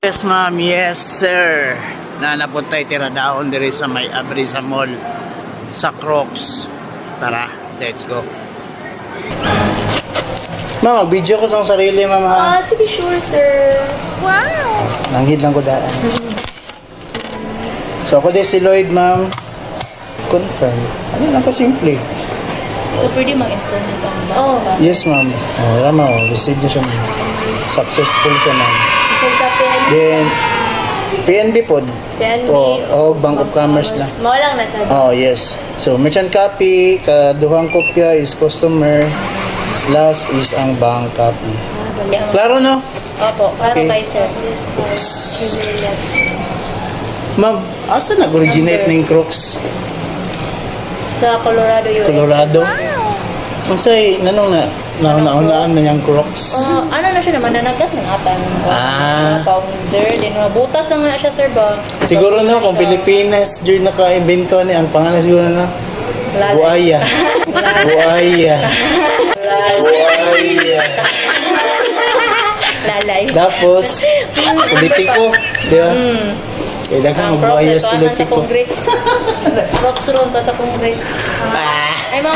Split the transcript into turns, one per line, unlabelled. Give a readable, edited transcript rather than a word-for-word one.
Yes ma'am, yes sir. Na napuntay tira daon diri sa may Abrisa Mall sa Crocs. Tara, let's go. Ma'am, mag-video ko sa sarili, ma'am ha.
Sige, sure, sir. Wow!
Nanghid lang ko daan. So ako din si Lloyd, ma'am. Confirm. Ano lang ka-simple.
So, pwede mag-install nito ang ba? Oo.
Yes, ma'am. Oh, tama. Receive niya siya, ma'am. Successful siya, ma'am.
So, sa PNB?
Then, PNB po.
PNB.
O Bank of Commerce lang.
Mao lang nasa.
Oh, yes. So, merchant copy, kaduhang kopya is customer, last is ang bank copy. Klaro, no?
Opo, para
Okay.
kay sir.
Ma'am, asa nag-originate ng Crocs?
Sa Colorado, US.
Colorado? Masay, nanong naunaan na niyang Crocs?
Ano na siya naman, nanagat ng atang founder. Then, mabutas lang na siya, sir ba?
Siguro no, kung Pilipinas, dyan naka-invento ni, ang pangalan siguro na, Buaya. Buaya. Buaya.
Lalay.
Tapos, politiko. Di ba? Kailangan mag-buaya sa
Sa
politiko.
Congress. Crocs ron to sa Congress. Ay, mga